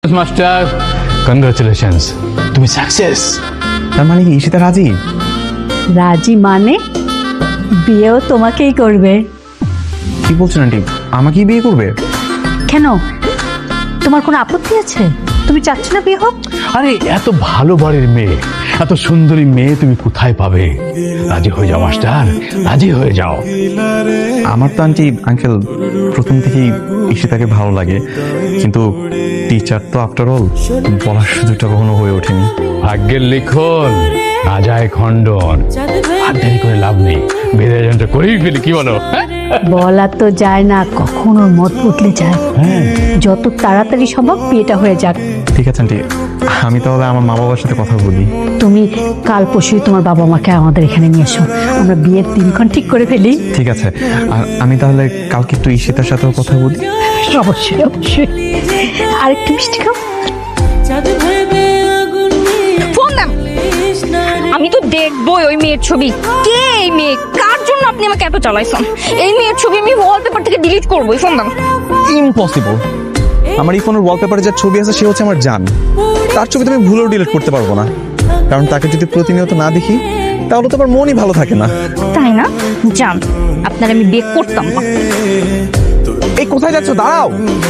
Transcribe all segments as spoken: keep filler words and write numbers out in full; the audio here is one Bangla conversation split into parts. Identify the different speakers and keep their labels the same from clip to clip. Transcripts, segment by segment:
Speaker 1: মাস্টার কংগ্রাচুলেশনস, তুমি সাকসেস।
Speaker 2: তার মানে কি ঈশিতা রাজি?
Speaker 3: রাজি মানে বিয়েও তোমাকেই করবে।
Speaker 2: কি বলছেন আন্টি, আমাকেই বিয়ে করবে?
Speaker 3: কেন, তোমার কোনো আপত্তি আছে? তুমি চাচ্ছ না বিয়ে হোক?
Speaker 1: আরে এত ভালো বাড়ির মেয়ে, এত সুন্দরী মেয়ে তুমি কোথায় পাবে? রাজি হয়ে যাও মাস্টার, রাজি হয়ে যাও।
Speaker 2: আমার তো আন্টি আঙ্কেল প্রথম থেকেই ঈশিতাকে ভালো লাগে, কিন্তু টিচার তো আফটার অল বলার সুযোগটা কখনো হয়ে ওঠেনি।
Speaker 1: ভাগ্যের লিখন না যায় খণ্ডন, আর দেরি করে লাভ নেই, বিয়ের আয়োজনটা করেই ফেলি, কি বলো?
Speaker 3: বলা তো যায় না, কখন ওর মত বদলে যায়।
Speaker 1: হ্যাঁ,
Speaker 3: যত তাড়াতাড়ি সম্ভব বিয়েটা হয়ে যাক।
Speaker 2: ঠিক আছে আন্টি, আমি তাহলে আমার মা বাবার সাথে কথা বলি।
Speaker 3: তুমি কাল পরশুই তোমার বাবা মাকে আমাদের এখানে নিয়ে এসো, আমরা বিয়ের দিনক্ষণ ঠিক করে ফেলি।
Speaker 2: ঠিক আছে, আর আমি তাহলে কালকে একটু ঈশিতার সাথেও কথা বলি।
Speaker 3: অবশ্যই অবশ্যই। আর একটু মিষ্টি খাও।
Speaker 4: ফোন দাম, আমি তো দেখবোই ওই মেয়ের ছবি। কে এই মেয়ে? কার জন্য আপনি আমাকে এত চালাইছেন? এই মেয়ের ছবি আমি ওয়ালপেপার থেকে ডিলিট করবোই। ফোন দাম।
Speaker 2: ইম্পসিবল। আমার এই ফোনের ওয়ালপেপারে যার ছবি আছে সে হচ্ছে আমার জান। তার ছবি তো আমি ভুলেও ডিলিট করতে পারবো না, কারণ তাকে যদি প্রতিনিয়ত না দেখি তাহলে তো আমার মনই ভালো থাকে না।
Speaker 4: তাই না? জান, আপনার আমি বিয়ে করতাম না।
Speaker 2: এই কোথায় যাচ্ছ? দাঁড়াও।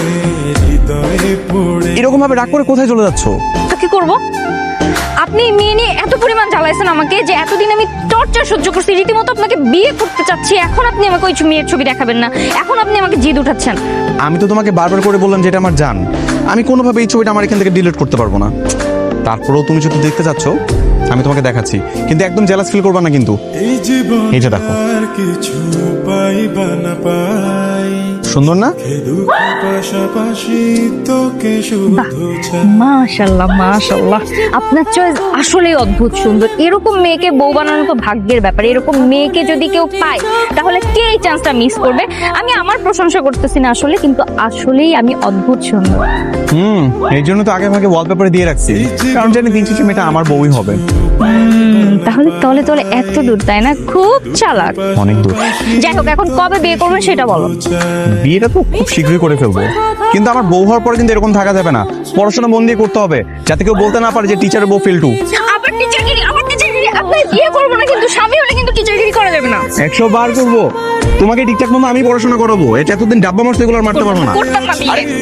Speaker 2: এরকম ভাবে রাগ করে কোথায় চলে যাচ্ছ?
Speaker 4: তো কি করবো? আপনি এই মেয়ে নিয়ে এত পরিমাণ জ্বালাইছেন আমাকে যে এতদিন আমি টর্চার সহ্য করছি, রীতিমতো আপনাকে বিয়ে করতে চাচ্ছি, এখন আপনি আমাকে ওই মেয়ের ছবি দেখাবেন না, এখন আপনি আমাকে জিদ উঠাচ্ছেন।
Speaker 2: আমি তো তোমাকে বারবার করে বললাম যে এটা আমার জান, আমি কোনোভাবে এই ছবিটা আমার এখান থেকে ডিলিট করতে পারবো না। তারপরেও তুমি যদি দেখতে চাচ্ছ আমি তোমাকে দেখাচ্ছি, কিন্তু একদম জেলাস ফিল করবা না কিন্তু। এই যে দেখো, সুন্দর না?
Speaker 4: মাশাআল্লাহ মাশাআল্লাহ, আপনার চয়েস আসলেই অদ্ভুত সুন্দর। এরকম মেয়েকে বউ বানানো তো ভাগ্যের ব্যাপার। এরকম মেয়েকে যদি কেউ পায় তাহলে কে এই চান্সটা মিস করবে? আমি আমার প্রশংসা করতেছি না আসলে, কিন্তু আসলেই আমি অদ্ভুত সুন্দর।
Speaker 2: হুম, এই জন্য তো আগে ভাগে ওয়ালপেপারে দিয়ে রাখছি, কারণ জানি দিন শেষে মেয়েটা আমার বউই হবে।
Speaker 4: তাহলে তলে তলে এত দূর, তাই না? খুব চালাক।
Speaker 2: অনেক দূর।
Speaker 4: যাই হোক, এখন কবে বিয়ে করবেন সেটা বলো।
Speaker 2: বিয়েটা তো খুব শীঘ্রই করে ফেলবো, কিন্তু আমার বউ হওয়ার পরে কিন্তু এরকম থাকা যাবে না। পড়াশোনা মন দিয়ে করতে হবে, যাতে কেউ বলতে না পারে যে টিচারের বউ ফেলটু।
Speaker 4: আবার টিচারগিরি, আবার টিচারগিরি। আপনি বিয়ে করবো না, কিন্তু স্বামী হলে কিন্তু টিচারগিরি করা যাবে না।
Speaker 2: একশো বার করবো তোমাকে ঠিকঠাক মতো আমি পড়াশোনা করাবো। এটা এতদিন ডাব্বা মারতে এগুলো আর মারতে পারবো না।
Speaker 4: করতাম না বিয়ে।